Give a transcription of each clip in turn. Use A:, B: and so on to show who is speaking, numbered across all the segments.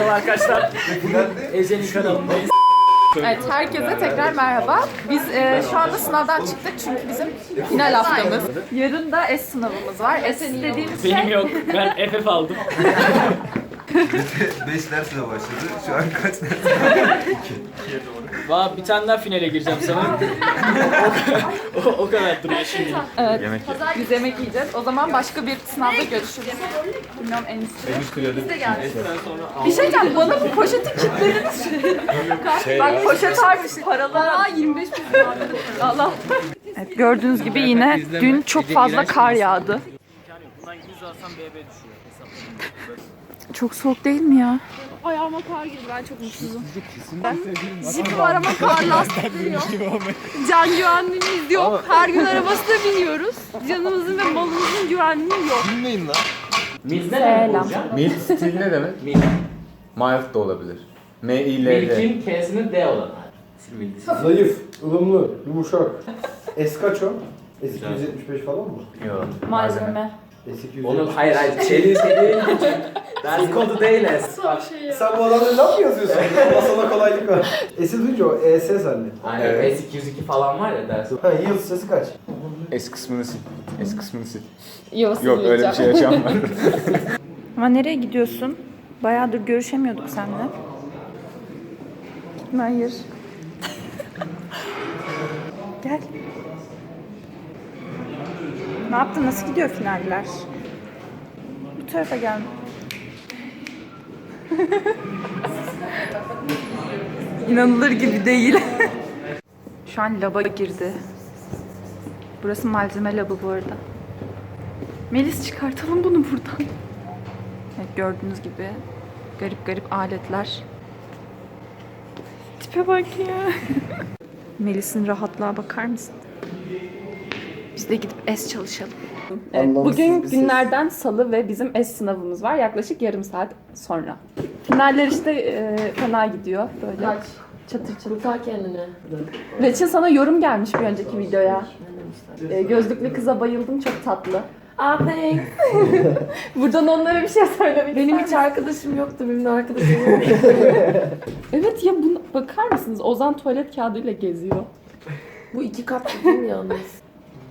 A: Merhaba arkadaşlar. Ezen'in kanalındayız.
B: Evet, herkese tekrar merhaba. Biz şu anda sınavdan çıktık çünkü bizim final haftamız. Yarın da S sınavımız var. S dediğimiz
A: Benim
B: şey...
A: yok. Ben FF aldım.
C: 5 dersle başladı. Şu an kaç ders?
A: Valla bir tane daha finale gireceğim sanırım. o kadar duruyor şimdi.
B: Evet,
C: Yemek
B: biz yemek yiyeceğiz. O zaman başka bir sınavda görüşürüz. Bilmiyorum en iyisi. Bir şey diyeceğim, bana bu poşeti kilitlediniz. Bak poşet harmış, paralar. 25 bin. Allah. Evet, gördüğünüz gibi yine dün çok fazla kar yağdı.
A: Bundan 100 alsam BB düşüyor.
B: Çok soğuk değil mi ya?
D: Ayağıma kar girdi, ben çok mutsuzum. Jip var ama kar lastikleri yok. Can güvenliğimiz yok. Her gün arabasına biniyoruz. Canımızın ve malımızın güvenliği yok.
C: Bilmeyin lan.
A: Milk ne demek hocam?
E: Milk stil ne demek?
A: Milk.
E: Mild da olabilir. M-I-L-D.
A: Milk'in K'sinin D olan.
F: Zayıf, ılımlı, yumuşak. Eskaço. S275 falan mı?
E: Yok.
B: Malzeme.
F: S275.
G: Onu hayır çeliği değil küçük. Ders kodu değil es.
F: Sen bu adamla laf mı yazıyorsun? Allah sana kolaylık ver. S'i duyunca o ES zannet.
G: Aynen
E: Evet.
G: S202 falan var ya ders.
F: Ha, yıldız sesi kaç?
E: S kısmını sil. S kısmını sil.
B: Yok,
E: Yok öyle bir şey yaşanmadı.
B: Ama nereye gidiyorsun? Bayağıdır görüşemiyorduk seninle. Hayır. Gel. Ne yaptın? Nasıl gidiyor finaller? Bu tarafa gel. İnanılır gibi değil. Şu an laba girdi. Burası malzeme labı bu arada. Melis çıkartalım bunu buradan. Evet, gördüğünüz gibi garip garip aletler. Tipe bak ya. Melis'in rahatlığa bakar mısın? Biz de gidip S çalışalım. Evet, bugün günlerden salı ve bizim S sınavımız var. Yaklaşık yarım saat sonra. Finaller işte fena gidiyor böyle.
D: Kaç?
B: Çatır çatır.
D: Kurtar kendini.
B: Reçin sana yorum gelmiş bir önceki videoya. Gözlüklü kıza bayıldım, çok tatlı.
D: Thanks.
B: Buradan onlara bir şey söylemek
D: Benim
B: ister
D: hiç arkadaşım yoktu, benim de arkadaşım yoktu.
B: Evet ya, buna bakar mısınız? Ozan tuvalet kağıdıyla geziyor.
D: Bu 2 kat değil mi yalnız?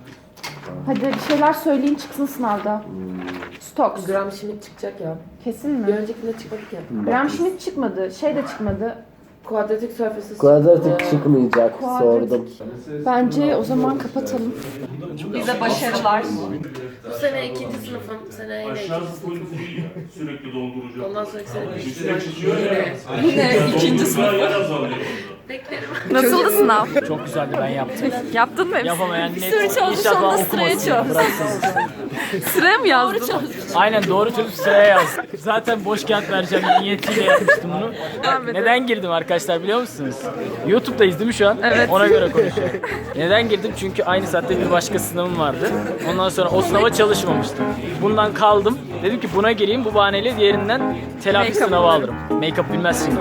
B: Hadi bir şeyler söyleyin çıksın sınavda. Stocks.
D: Gram Schmidt çıkacak ya.
B: Kesin
D: Bir
B: mi?
D: öncekinde çıkmadık ya.
B: Graham Schmidt çıkmadı. Şey de çıkmadı.
D: Kuadratik surfaces
H: Kuadratik çıkmayacak, sordum.
B: Bence o zaman kapatalım. Bize başarılar.
D: Bu sene 2. sınıfım, seneye yine 2. sınıfım.
I: Sürekli dolduracağım.
D: Ondan sonraki sene 3.
I: Üstüne çıkıyor
D: sınıfım.
I: ya.
B: Yine ikinci
I: Dolduracağı yer azalıyor.
D: Beklerim.
B: Nasıldı sınav?
A: Çok güzeldi, ben yaptım.
B: Yaptın mı hepsini?
A: Yapamayan
B: Bir
A: net
B: sürü çalıştı,
A: inşallah
B: sonra sıraya
A: okumasın.
B: çaldı.
A: Bıraksın.
B: Sıraya mı yazdın?
A: Aynen, doğru çözüp sıraya yaz. Zaten boş kağıt vereceğim niyetiyle yapmıştım bunu. Neden girdim arkadaşlar biliyor musunuz? YouTube'dayız değil mi şu an?
B: Evet.
A: Ona göre konuşuyorum. Neden girdim? Çünkü aynı saatte bir başka sınavım vardı. Ondan sonra o sınava çalışmamıştım. Bundan kaldım. Dedim ki buna gireyim, bu bahaneyle diğerinden telafi
B: Make-up
A: sınavı alırım. Make-up bilmezsin.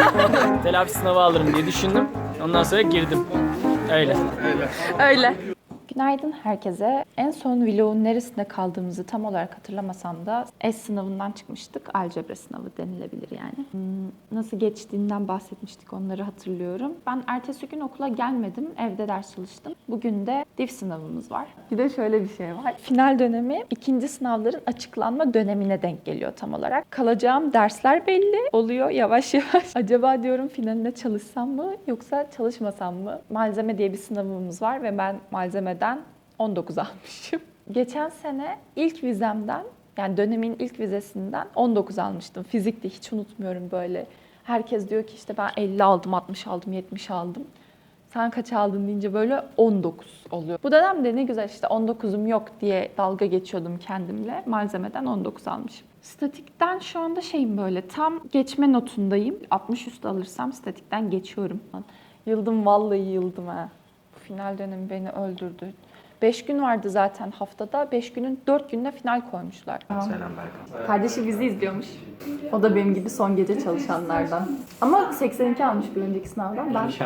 A: Telafi sınavı alırım diye düşündüm. Ondan sonra girdim. Öyle.
B: Öyle. Günaydın herkese. En son vlogun neresinde kaldığımızı tam olarak hatırlamasam da S sınavından çıkmıştık. Algebra sınavı denilebilir yani. Nasıl geçtiğinden bahsetmiştik, onları hatırlıyorum. Ben ertesi gün okula gelmedim. Evde ders çalıştım. Bugün de div sınavımız var. Bir de şöyle bir şey var. Final dönemi ikinci sınavların açıklanma dönemine denk geliyor tam olarak. Kalacağım dersler belli oluyor yavaş yavaş. Acaba diyorum finaline çalışsam mı yoksa çalışmasam mı? Malzeme diye bir sınavımız var ve ben malzemeden 19 almışım. Geçen sene ilk vizemden, yani dönemin ilk vizesinden 19 almıştım. Fizikte hiç unutmuyorum böyle. Herkes diyor ki işte ben 50 aldım, 60 aldım, 70 aldım. Sen kaç aldın deyince böyle 19 oluyor. Bu dönemde ne güzel işte 19'um yok diye dalga geçiyordum kendimle. Malzemeden 19 almışım. Statikten şu anda şeyim böyle tam geçme notundayım. 60 üstü alırsam statikten geçiyorum. Yıldım, vallahi yıldım ha. Final dönemi beni öldürdü. 5 gün vardı zaten haftada. 5 günün 4 gününe final koymuşlar.
C: Selam Berkan.
B: Kardeşi bizi izliyormuş. O da benim gibi son gece çalışanlardan. Ama 82 almış bir önceki sınavdan. Ben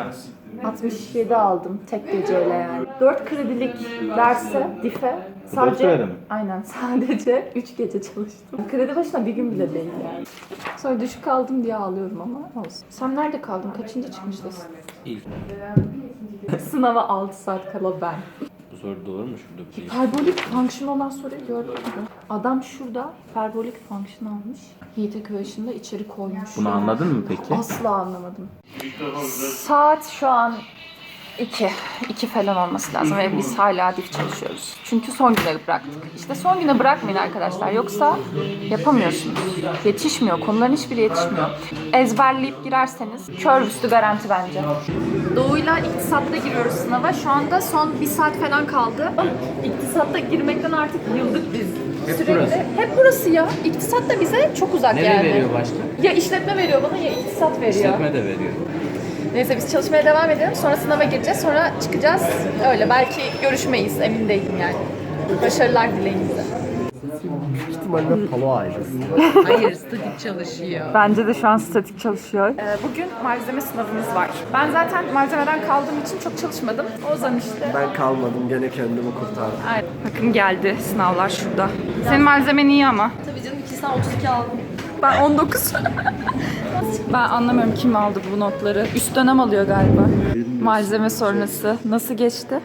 B: 67 aldım tek geceyle yani. 4 kredilik derse, dife sadece
E: kredi mi?
B: aynen sadece 3 gece çalıştım. Kredi başına bir gün bile değil yani. Sonra düşük kaldım diye ağlıyorum ama olsun. Sen nerede kaldın? Kaçıncı çıkmıştın?
G: İlk.
B: Sınava 6 saat kala ben.
G: Bu soru doğru mu şurada bir şey?
B: Hiperbolik fonksiyon olan soruyu gördün mü? Adam şurada hiperbolik fonksiyon almış. Heat equation'da içeri koymuş.
E: Bunu anladın mı peki?
B: Asla anlamadım. Saat şu an 2 falan olması lazım ve biz hala dif çalışıyoruz. Çünkü son güne bıraktık. İşte son güne bırakmayın arkadaşlar. Yoksa yapamıyorsunuz. Yetişmiyor. Konuların hiçbiri yetişmiyor. Ezberleyip girerseniz kör üstü garanti bence. Doğu'yla iktisatta giriyoruz sınava. Şu anda son 1 saat falan kaldı. İktisatta girmekten artık yıldık biz. Sürekli. Hep burası ya. İktisat da bize çok uzak
G: Nereye
B: yani.
G: veriyor başta?
B: Ya işletme veriyor bana ya iktisat veriyor.
G: İşletme de veriyor.
B: Neyse biz çalışmaya devam edelim. Sonra sınava gireceğiz. Sonra çıkacağız. Öyle. Belki görüşmeyiz. Emin değilim yani. Başarılar dileyin bize.
H: Büyük ihtimalle palo ailesi.
D: Hayır, statik çalışıyor.
B: Bence de şu an statik çalışıyor. Bugün malzeme sınavımız var. Ben zaten malzemeden kaldığım için çok çalışmadım. Ozan işte.
H: Ben kalmadım, gene kendimi kurtardım.
B: Aynen. Bakın geldi sınavlar şurada. Senin malzemen iyi ama.
D: Tabii canım 2 saat 32 aldım.
B: Ben 19. Ben anlamıyorum kim aldı bu notları. Üst dönem alıyor galiba. Malzeme sonrası. Nasıl geçti?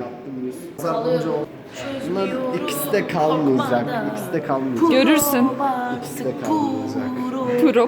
H: Bunlar ikisi de kalmayacak. İkisi de kalmayacak.
B: Görürsün.
H: İkisi de kalmayacak.
B: Prop.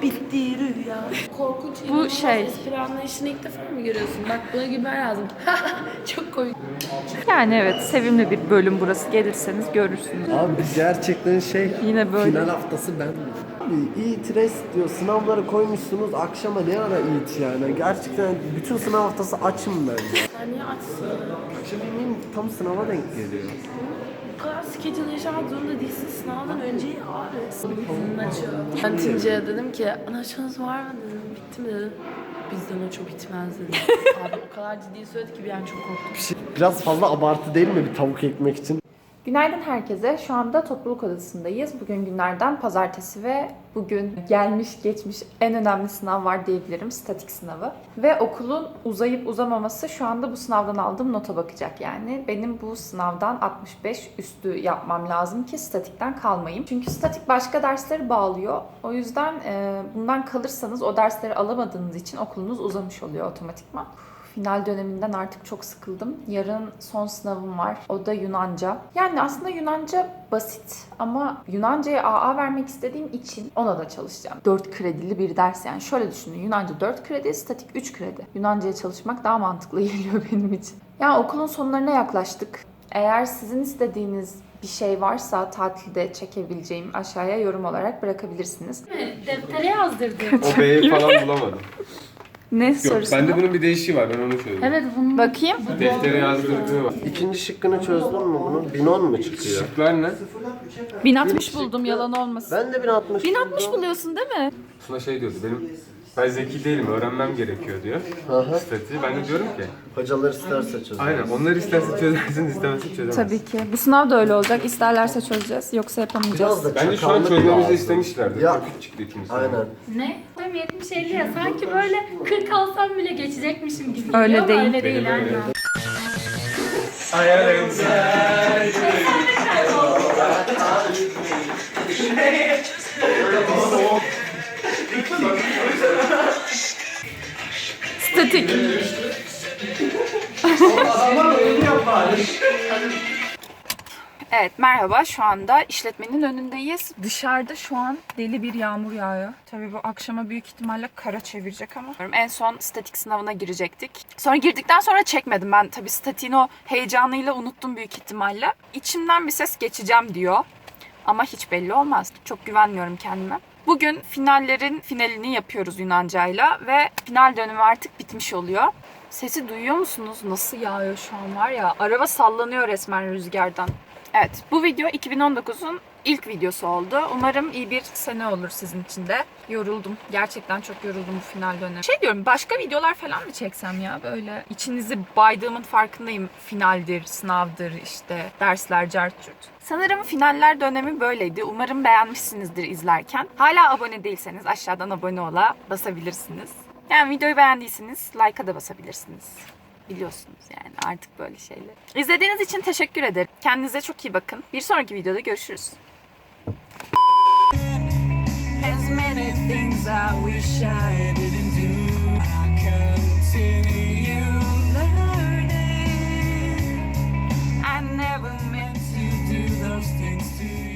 D: Korkunç.
B: Bu şey.
D: Espri anlayışını ilk defa mı görüyorsun? Bak buna gülmen lazım. Çok komik.
B: Yani evet sevimli bir bölüm burası. Gelirseniz görürsünüz.
H: Abi gerçekten
B: Yine böyle.
H: final haftası ben. Abi İTRES diyor, sınavları koymuşsunuz, akşama ne ara İT yani? Gerçekten bütün sınav haftası açım ben.
D: Sen niye açsın?
H: Akşam yemeğim tam sınava denk geliyor.
D: Bu kadar schedule yaşamak zorunda değilsin. Sınavdan önce abi. Bizden açıyor. Kantince dedim ki anaçınız var mı dedim. Bitti mi dedim. Bizden açıyor bitmez dedim. Abi o kadar ciddi söyledi ki bir an çok korktum.
H: Biraz fazla abartı değil mi bir tavuk ekmek için?
B: Günaydın herkese. Şu anda topluluk odasındayız. Bugün günlerden pazartesi ve bugün gelmiş geçmiş en önemli sınav var diyebilirim. Statik sınavı. Ve okulun uzayıp uzamaması şu anda bu sınavdan aldığım nota bakacak yani. Benim bu sınavdan 65 üstü yapmam lazım ki statikten kalmayayım. Çünkü statik başka dersleri bağlıyor. O yüzden bundan kalırsanız o dersleri alamadığınız için okulunuz uzamış oluyor otomatikman. Final döneminden artık çok sıkıldım. Yarın son sınavım var. O da Yunanca. Yani aslında Yunanca basit ama Yunanca'ya AA vermek istediğim için ona da çalışacağım. 4 kredili bir ders yani. Şöyle düşünün. Yunanca 4 kredi, statik 3 kredi. Yunanca'ya çalışmak daha mantıklı geliyor benim için. Yani okulun sonlarına yaklaştık. Eğer sizin istediğiniz bir şey varsa tatilde çekebileceğim aşağıya yorum olarak bırakabilirsiniz.
D: Deftere yazdırdım.
J: O B'yi falan bulamadım.
B: Ne
J: Yok,
B: sorusu?
J: bende bunun bir değişiği var, ben onu söyleyeyim.
D: Evet bunu
B: Bakayım.
J: Deftere yazdırdığı var.
H: İkinci şıkkını çözdün mü bunun? 1010 mu çıkıyor?
J: Şıklar ne?
B: 1060 buldum yalan olmasın.
H: Ben de 1060
B: 1060 buluyorsun değil mi?
J: Suna şey diyordu, ben zeki değilim, öğrenmem gerekiyor diyor.
H: Aha.
J: Statiği. Ben de diyorum ki,
H: Hocalar isterse çözer.
J: aynen onlar isterse çözersin, istemezse çözemezsin.
B: Tabii ki. Bu sınav da öyle olacak. İsterlerse çözeceğiz. Yoksa yapamayacağız.
H: Biraz da
J: Bence şu an
H: çakallık
J: çözmemizi
H: lazım.
J: istemişlerdir.
H: Ya.
J: Çok çıktı ikimiz.
H: Aynen.
D: ne? Tam 70-50 ya. Sanki böyle 40 alsam bile geçecekmişim gibi.
B: Öyle
D: geliyor ama
B: değil.
D: Öyle değil.
J: Benim öyle.
D: aynen.
B: Statik. Evet merhaba şu anda işletmenin önündeyiz. Dışarıda şu an deli bir yağmur yağıyor. Tabii bu akşama büyük ihtimalle kara çevirecek ama. En son statik sınavına girecektik. Sonra girdikten sonra çekmedim ben. Tabii statiğin o heyecanıyla unuttum büyük ihtimalle. İçimden bir ses geçeceğim diyor. Ama hiç belli olmaz. Çok güvenmiyorum kendime. Bugün finallerin finalini yapıyoruz Yunancayla ve final dönemi artık bitmiş oluyor. Sesi duyuyor musunuz? Nasıl yağıyor şu an var ya. Araba sallanıyor resmen rüzgardan. Evet, bu video 2019'un ilk videosu oldu. Umarım iyi bir sene olur sizin için de. Yoruldum. Gerçekten çok yoruldum bu final dönemi. Şey diyorum, başka videolar falan mı çeksem ya? Böyle içinizi baydığımın farkındayım. Finaldir, sınavdır, işte dersler, cartçurt. Sanırım finaller dönemi böyleydi. Umarım beğenmişsinizdir izlerken. Hala abone değilseniz aşağıdan abone ola basabilirsiniz. Yani videoyu beğendiyseniz like'a da basabilirsiniz. Biliyorsunuz yani artık böyle şeyler. İzlediğiniz için teşekkür ederim. Kendinize çok iyi bakın. Bir sonraki videoda görüşürüz. As many things I wish I didn't do, I continue learning. I never meant to do those things to you.